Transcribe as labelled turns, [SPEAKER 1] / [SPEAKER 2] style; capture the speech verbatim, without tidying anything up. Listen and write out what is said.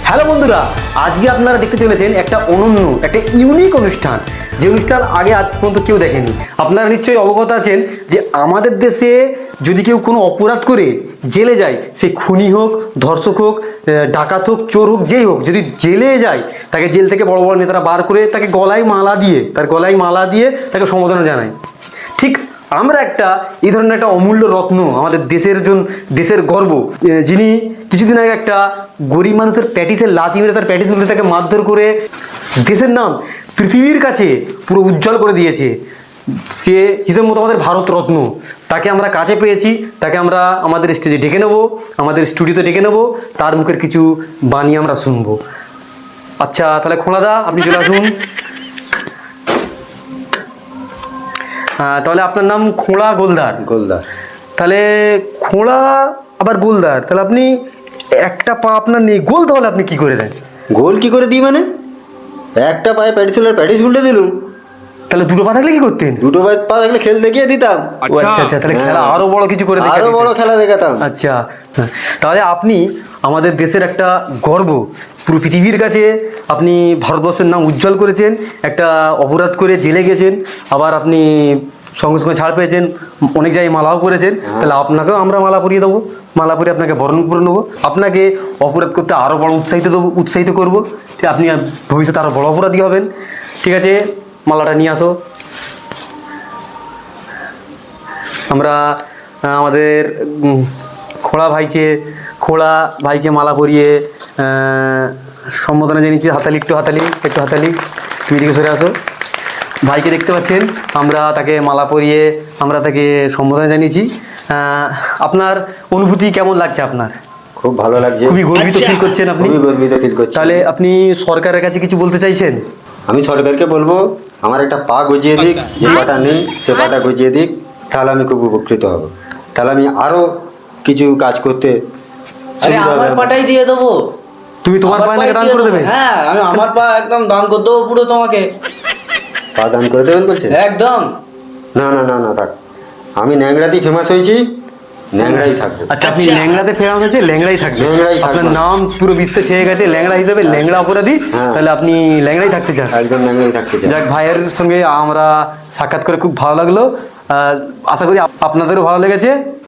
[SPEAKER 1] Hello বন্ধুরা, আজকে আপনারা দেখতে চলেছেন একটা অনন্য একটা ইউনিক অনুষ্ঠান, যে অনুষ্ঠান আগে আজ পর্যন্ত কেউ দেখেনি। আপনারা নিশ্চয়ই অবগত আছেন যে আমাদের দেশে যদি কেউ কোনো অপরাধ করে জেলে যায়, সে খুনি হোক, ধর্ষক হোক, ডাকাত হোক, চোর হোক, যেই হোক, যদি জেলে যায় তাকে জেল থেকে বড় বড় নেতারা বার করে তাকে গলায় মালা দিয়ে তার গলায় মালা দিয়ে তাকে সম্বোধনা জানায়। ঠিক আমরা একটা এই ধরনের একটা অমূল্য রত্ন, আমাদের দেশের জন দেশের গর্ব, যিনি কিছুদিন আগে একটা গরিব মানুষের প্যাটিসের লাথি মেরে তার প্যাটিস বলতে তাকে মারধর করে দেশের নাম পৃথিবীর কাছে পুরো উজ্জ্বল করে দিয়েছে, সে হিসেব মতো আমাদের ভারত রত্ন। তাকে আমরা কাছে পেয়েছি, তাকে আমরা আমাদের স্টেজে ডেকে নেবো, আমাদের স্টুডিওতে ডেকে নেবো, তার মুখের কিছু বাণী আমরা শুনবো। আচ্ছা তাহলে খোঁড়াদা আপনি চলে আসুন। তাহলে আপনার নাম খোঁড়া গোলদার।
[SPEAKER 2] গোলদার
[SPEAKER 1] তাহলে খোঁড়া আবার গোলদার, তাহলে আপনি একটা পা আপনার নেই, গোল তাহলে আপনি কি করে দেন?
[SPEAKER 2] গোল কি করে দিই মানে? একটা পায়ে প্যাটিস হলে প্যাটিস উল্টে দিলুম।
[SPEAKER 1] তাহলে দুটো পা থাকলে কি করতেন?
[SPEAKER 2] দুটো পায়ে পা থাকলে খেল দেখিয়ে দিতাম।
[SPEAKER 1] ও আচ্ছা আচ্ছা, তাহলে খেলা আরো বড় কিছু করে দেখাতেন।
[SPEAKER 2] আরো বড় খেলা দেখাতাম।
[SPEAKER 1] আচ্ছা, তাহলে আপনি আমাদের দেশের একটা গর্ব, পুরো পৃথিবীর কাছে আপনি ভারতবর্ষের নাম উজ্জ্বল করেছেন। একটা অপরাধ করে জেলে গেছেন, আবার আপনি সঙ্গে সঙ্গে ছাড় পেয়েছেন, অনেক জায়গায় মালাও করেছেন। তাহলে আপনাকেও আমরা মালা পরিয়ে দেবো, মালা পরিয়ে আপনাকে বরণ করে নেবো, আপনাকে অপরাধ করতে আরও বড় উৎসাহিত দেবো, উৎসাহিত করবো। ঠিক, আপনি ভবিষ্যতে আরও বড় অপরাধী হবেন। ঠিক আছে, মালাটা নিয়ে আসো। আমরা আমাদের খোড়া ভাইকে খোড়া ভাইকে মালা পরিয়ে সম্বোধনা জানিয়েছি। হাতালি, একটু হাতালি, একটু হাতালি, তুমি দিকে সরে আসো। ভাইকে দেখতে পাচ্ছেন, আমরা তাকে মালা পরিয়ে আমরা তাকে সম্বোধনা জানিয়েছি। আপনার অনুভূতি কেমন লাগছে? আপনার
[SPEAKER 2] খুব ভালো লাগছে।
[SPEAKER 1] খুবই গর্বিত ফিল করছেন আপনি?
[SPEAKER 2] খুবই গর্বিত ফিল করছি।
[SPEAKER 1] তাহলে আপনি সরকারের কাছে কিছু বলতে চাইছেন?
[SPEAKER 2] আমি সরকারকে বলবো আমার একটা পা গজিয়ে দিক, যে পাটা নেই সে পাটা গজিয়ে দিক, তাহলে আমি খুব উপকৃত হব। তাহলে আমি আরো কিছু কাজ করতে
[SPEAKER 3] আরে
[SPEAKER 2] সুবিধা
[SPEAKER 3] আমার
[SPEAKER 2] হবে।
[SPEAKER 3] পাটাই দিয়ে দেবো।
[SPEAKER 1] তুমি তোমার পায়ে নাকি দান করে দেবে?
[SPEAKER 3] হ্যাঁ, আমি আমার পা একদম দান করে দেবো পুরো তোমাকে।
[SPEAKER 2] পা দান করে দেবেন বলছেন?
[SPEAKER 3] একদম।
[SPEAKER 2] না না না না থাক, আমি ন্যাংরাতেই ফেমাস হয়েছি, ন্যাংরাই থাকবে।
[SPEAKER 1] আচ্ছা, আপনি ল্যাংড়াতে ফেমাস হচ্ছে, ল্যাংড়াই থাকবে।
[SPEAKER 2] ল্যাংড়াই থাকবে।
[SPEAKER 1] আপনার নাম পুরো বিশ্বে ছেয়ে গেছে ল্যাংড়া হিসেবে, ল্যাংড়া অপরাধী।
[SPEAKER 2] হ্যাঁ।
[SPEAKER 1] তাহলে আপনি ল্যাংড়াই থাকতে চান?
[SPEAKER 2] একদম ন্যাংরাই থাকতে চাই।
[SPEAKER 1] যাক, ভাইয়ের সঙ্গে আমরা সাক্ষাৎ করে খুব ভালো লাগলো। আহ, আশা করি আপ- আপনাদেরও ভালো লেগেছে।